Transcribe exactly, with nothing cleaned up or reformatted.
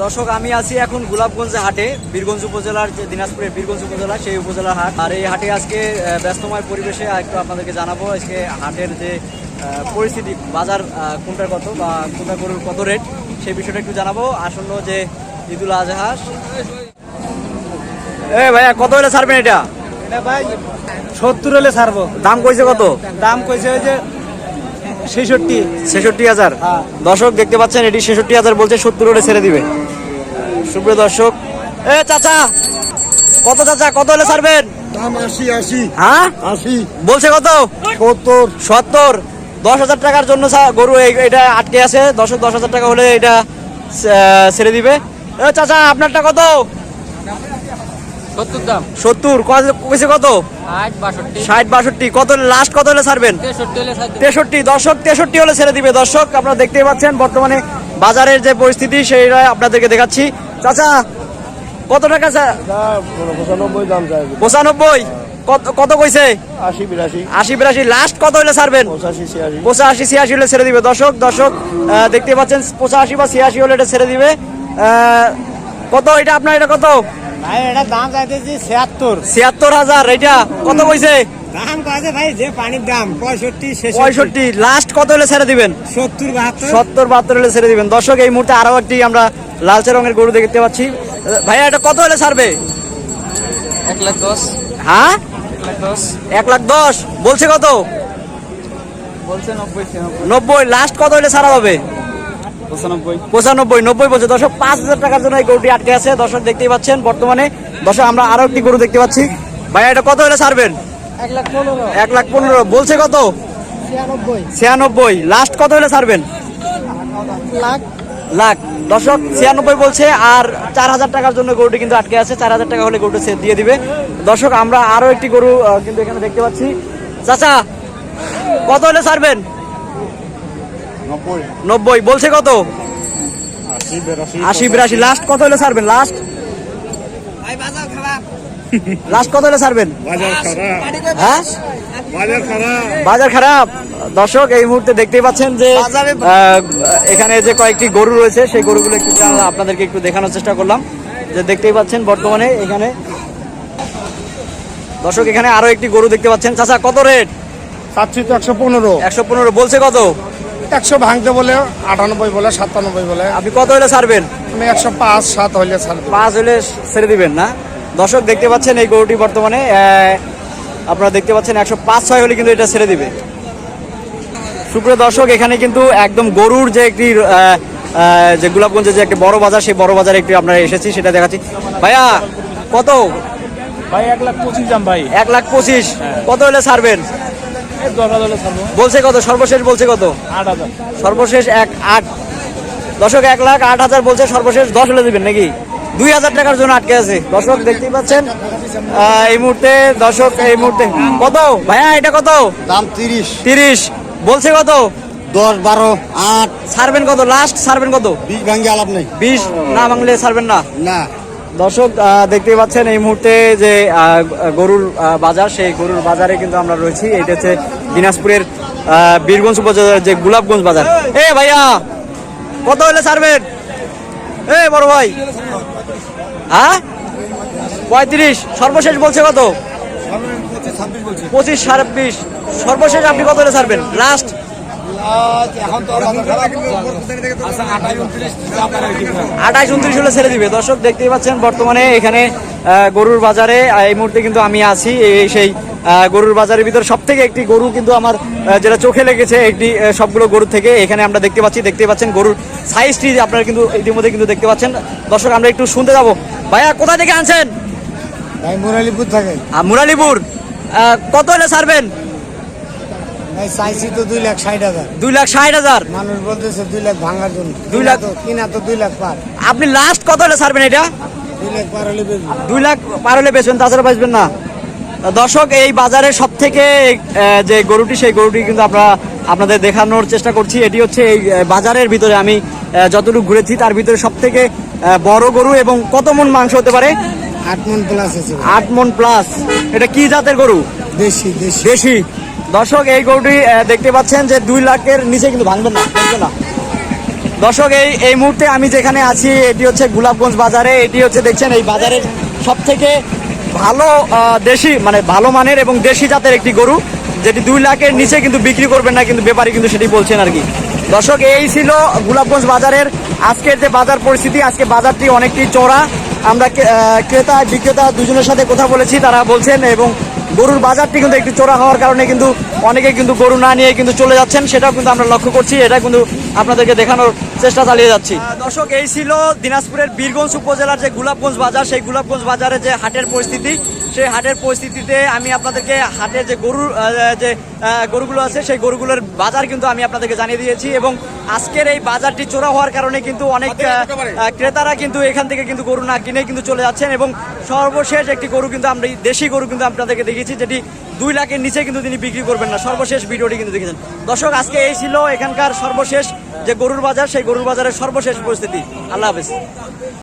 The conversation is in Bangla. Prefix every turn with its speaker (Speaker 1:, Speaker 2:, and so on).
Speaker 1: দর্শক আমি আছি এখন গোলাপগঞ্জ হাটে, বীরগঞ্জ উপজেলার যে দিনাজপুরের বীরগঞ্জ উপজেলা সেই উপজেলার হাট। আর এই হাটে আজকে ব্যস্তময় পরিবেশে একটু আপনাদেরকে জানাবো আজকে হাটের যে পরিস্থিতি, বাজার কোনটার কত বা কোনটা গরুর কত রেট সেই বিষয়টা একটু জানাবো। আসন্ন যে ঈদুল আজহা, এ ভাইয়া কত হলে ছাড়বেন এটা?
Speaker 2: এটা ভাই সত্তর হলে ছাড়বো।
Speaker 1: দাম কইছে কত?
Speaker 2: দাম কইছে ওই যে ছেষট্টি
Speaker 1: ছেষট্টি হাজার। দর্শক দেখতে পাচ্ছেন এটি ছেষট্টি হাজার বলছে, সত্তর হলে ছেড়ে দিবে। সুপ্রিয় দর্শক, এ চাচা কত চাচা কত হলে ছাড়বেন?
Speaker 3: দাম আশি আশি।
Speaker 1: হ্যাঁ
Speaker 3: আশি
Speaker 1: বলছে কত?
Speaker 3: সত্তর।
Speaker 1: সত্তর। দশ হাজার টাকার জন্য গরু এটা আটকে আছে। দর্শক দশ হাজার টাকা হলে এটা ছেড়ে দিবে। এ চাচা আপনারটা কত?
Speaker 2: সত্তর দাম।
Speaker 1: সত্তর কইছে কত? ষাট বাষট্টি। কত লাস্ট কত হলে ছাড়বেন? তেষট্টি। দর্শক তেষট্টি হলে ছেড়ে দিবে। দর্শক আপনারা দেখতেই পাচ্ছেন বর্তমানে বাজারের যে পরিস্থিতি সেইটা আপনাদেরকে দেখাচ্ছি। চাচা কত টাকা?
Speaker 3: পঁচানব্বই দাম চাই।
Speaker 1: পঁচানব্বই। কত কত কইছে?
Speaker 3: আশি বিরাশি।
Speaker 1: আশি বিরাশি। লাস্ট কত হলে ছাড়বেন?
Speaker 3: পঁচাশি ছিয়াশি।
Speaker 1: পঁচাশি ছিয়াশি হলে ছেড়ে দিবে। দর্শক দর্শক দেখতে পাচ্ছেন পঁচাশি বা ছিয়াশি হলে এটা ছেড়ে দিবে। কত এটা আপনার? এটা কত
Speaker 2: ভাই? এটা দাম চাইতেছি ছিয়াত্তর।
Speaker 1: ছিয়াত্তর হাজার। এটা কত কইছে?
Speaker 2: দাম কইছে ভাই যে পানির দাম পঁয়ষট্টি
Speaker 1: পঁয়ষট্টি। লাস্ট কত হলে ছেড়ে দিবেন?
Speaker 2: সত্তর বাহাত্তর।
Speaker 1: সত্তর বাহাত্তর হলে ছেড়ে দিবেন। দর্শক এই মুহূর্তে আরো একটি আমরা লালচে রঙের গরু দেখতে পাচ্ছি। ভাইয়া এটা কত হলে ছাড়বে?
Speaker 2: এক লাখ দশ।
Speaker 1: হ্যাঁ
Speaker 2: এক লাখ দশ।
Speaker 1: এক লাখ দশ বলছে। কত
Speaker 2: বলছে? নব্বই।
Speaker 1: নব্বই। লাস্ট কত হলে ছাড়া হবে?
Speaker 2: পঁচানব্বই।
Speaker 1: পঁচানব্বই। নব্বই বলছে। দর্শক পাঁচ হাজার টাকার জন্য এই গরুটি আটকে আছে। দর্শক দেখতেই পাচ্ছেন বর্তমানে। দর্শক আমরা আরো একটি গরু দেখতে পাচ্ছি। ভাইয়া এটা কত হলে ছাড়বেন?
Speaker 2: এক লাখ পনেরো।
Speaker 1: এক লাখ পনেরো বলছে। কত?
Speaker 2: ছিয়ানব্বই।
Speaker 1: ছিয়ানব্বই। লাস্ট কত হলে ছাড়বেন?
Speaker 2: লাখ।
Speaker 1: লাখ। দর্শক ছিয়ানব্বই বলছে। আর চার হাজার টাকার জন্য গরুটি কিন্তু আটকে আছে। চার হাজার টাকা হলে গরুটা দিয়ে দিবে। দর্শক আমরা আরো একটি গরু কিন্তু এখানে দেখতে পাচ্ছি। চাচা কত হলে ছাড়বেন?
Speaker 3: নব্বই।
Speaker 1: নব্বই বলছে। কত?
Speaker 3: আশি বিরাশি।
Speaker 1: আশি বিরাশি। লাস্ট কত হলে ছাড়বেন? লাস্ট লাস্ট কত হলে ছাড়বেন?
Speaker 3: বাজার খারাপ।
Speaker 1: হ্যাঁ
Speaker 3: বাজার খারাপ।
Speaker 1: বাজার খারাপ। দর্শক এই মুহূর্তে দেখতেই পাচ্ছেন যে এখানে যে কয়েকটি গরু রয়েছে সেই গরুগুলো একটু আপনাদেরকে একটু দেখানোর চেষ্টা করলাম। যে দেখতেই পাচ্ছেন বর্তমানে এখানে দর্শক এখানে আরো একটি গরু দেখতে পাচ্ছেন। চাচা কত রেট?
Speaker 3: চাচ্ছি তো একশো পনেরো।
Speaker 1: একশো পনেরো বলছে। কত?
Speaker 3: একশো ভাঙতে বলে আটানব্বই বলে সাতানব্বই বলে।
Speaker 1: আপনি কত হলে ছাড়বেন?
Speaker 3: আমি একশো পাঁচ সাত হইলে ছাড়বো।
Speaker 1: পাঁচ হলে ছেড়ে দিবেন না? দর্শক দেখতে পাচ্ছেন এই গরুটি বর্তমানে আপনারা দেখতে পাচ্ছেন একশো পাঁচ ছয় হলে কিন্তু এটা ছেড়ে দিবে। সুপ্রিয় দর্শক এখানে কিন্তু একদম গরুর যে একটি যে গোলাপগঞ্জের যে একটি বড় বাজার, সেই বড় বাজারে একটু আমরা এসেছি, সেটা দেখাচ্ছি। ভাইয়া কত?
Speaker 2: ভাই এক লাখ পঁচিশ দাম ভাই।
Speaker 1: এক লাখ পঁচিশ। কত হলে ছাড়বেন?
Speaker 2: দশ হাজার হলে ছাড়বো।
Speaker 1: বলছে কত? সর্বশেষ বলছে কত?
Speaker 2: আট হাজার।
Speaker 1: সর্বশেষ এক আট। দর্শক এক লাখ আট হাজার বলছে, সর্বশেষ দশ হলে দিবেন নাকি? দুই হাজার টাকার জন্য আটকে আছে। দর্শক দেখতেই পাচ্ছেন এই মুহূর্তে। দর্শক এই মুহূর্তে কত? ভাইয়া এটা কত?
Speaker 3: দাম তিরিশ।
Speaker 1: তিরিশ বলছে। কত?
Speaker 3: দশ বারো আট।
Speaker 1: ছাড়বেন কত? লাস্ট ছাড়বেন কত?
Speaker 3: বিশ ভাঙ্গে আলাপ নেই।
Speaker 1: বিশ না ভাঙলে ছাড়বেন না?
Speaker 3: না।
Speaker 1: দর্শক দেখতেই পাচ্ছেন এই মুহূর্তে যে গরুর বাজার, সেই গরুর বাজারে কিন্তু আমরা রয়েছি। এটা হচ্ছে দিনাজপুরের বীরগঞ্জ উপজেলার যে গোলাপগঞ্জ বাজার। এ ভাইয়া কত হলে ছাড়বেন? এ বড় ভাই হ্যাঁ পঁয়ত্রিশ। সর্বশেষ বলছে কত? পঁচিশ ছাব্বিশ। সর্বশেষ আপনি কত হলে ছাড়বেন? লাস্ট আঠাইশ উনত্রিশ হলে ছেড়ে দিবে। দর্শক দেখতেই পাচ্ছেন বর্তমানে এখানে গরুর বাজারে এই মুহূর্তে কিন্তু আমি আছি। এই সেই গরুর বাজারের ভিতরে সব থেকে একটি গরু কিন্তু আমার যেটা চোখে লেগেছে একটি সবগুলো গরুর থেকে এখানে আমরা দেখতে পাচ্ছি। দেখতে পাচ্ছেন গরুর সাইজটি আপনারা কিন্তু ইতিমধ্যে কিন্তু দেখতে পাচ্ছেন। দর্শক আমরা একটু শুনতে যাবো। ভাইয়া কোথা থেকে আনছেন?
Speaker 3: ভাই মুরালিপুর থাকে।
Speaker 1: মুরালিপুর। কত হলে ছাড়বেন?
Speaker 3: চাইছি তো দুই লাখ ষাট হাজার।
Speaker 1: দুই লাখ ষাট হাজার।
Speaker 3: মানুষ বলতেছে দুই লাখ ভাঙার জন্য।
Speaker 1: দুই লাখ
Speaker 3: কিনা তো দুই লাখ পার।
Speaker 1: আপনি লাস্ট কত হলে ছাড়বেন এটা?
Speaker 3: দুই লাখ পার হলে বেচবেন।
Speaker 1: দুই লাখ পার হলে বেচবেন, তাছাড়া বেচবেন না। দর্শক এই বাজারে সব থেকে যে গরুটি, সেই গরুটি কিন্তু আমরা আপনাদের দেখানোর চেষ্টা করছি। এটি হচ্ছে এই বাজারের ভিতরে আমি যতটুকু ঘুরেছি তার ভিতরে সব থেকে বড় গরু। এবং কত মন মাংস হতে পারে?
Speaker 3: আট মন প্লাস আছে।
Speaker 1: আট মন প্লাস। এটা কি জাতের গরু?
Speaker 3: দেশি। দেশি
Speaker 1: দেশি। দর্শক এই গরুটি দেখতে পাচ্ছেন যে দুই লাখের নিচে কিন্তু ভাঙবেন না, ভাঙবে না। দর্শক এই এই মুহূর্তে আমি যেখানে আছি এটি হচ্ছে গোলাপগঞ্জ বাজারে। এটি হচ্ছে দেখছেন এই বাজারের সব থেকে ভালো আহ, দেশি মানে ভালো মানের এবং দেশি জাতের একটি গরু, যেটি দুই লাখের নিচে কিন্তু বিক্রি করবেন না, কিন্তু ব্যাপারী কিন্তু সেটি বলছেন আর কি। দর্শক এই ছিল গোলাপগঞ্জ বাজারের আজকের যে বাজার পরিস্থিতি। আজকে বাজারটি অনেকটি চড়া। আমরা কে- আহ, ক্রেতা বিক্রেতা দুজনের সাথে কথা বলেছি, তারা বলছেন এবং গরুর বাজারটি কিন্তু একটু চড়া হওয়ার কারণে কিন্তু অনেকে কিন্তু গরু না নিয়ে কিন্তু চলে যাচ্ছেন, সেটাও কিন্তু আমরা লক্ষ্য করছি। এটা কিন্তু আপনাদেরকে দেখানোর চেষ্টা চালিয়ে যাচ্ছি। আহ, দর্শক এই ছিল দিনাজপুরের বীরগঞ্জ উপজেলার যে গোলাপগঞ্জ বাজার, সেই গোলাপগঞ্জ বাজারে যে হাটের পরিস্থিতি, সেই হাটের পরিস্থিতিতে আমি আপনাদেরকে হাটের যে গরুর আহ, যে আহ, গরুগুলো আছে সেই গরুগুলোর বাজার কিন্তু আমি আপনাদেরকে জানিয়ে দিয়েছি। এবং আজকের এই বাজারটি চোরা হওয়ার কারণে কিন্তু অনেক আহ, আহ, ক্রেতারা কিন্তু এখান থেকে কিন্তু গরু না কিনে কিন্তু চলে যাচ্ছেন। এবং সর্বশেষ একটি গরু কিন্তু আমরা দেশি গরু কিন্তু আপনাদেরকে দেখিয়েছি, যেটি দুই লাখের নিচে কিন্তু তিনি বিক্রি করবেন না। সর্বশেষ ভিডিওটি কিন্তু দেখেছেন। দর্শক আজকে এই ছিল এখানকার সর্বশেষ যে গরুর বাজার, সেই গরুর বাজারের সর্বশেষ পরিস্থিতি। আল্লাহ হাফেজ।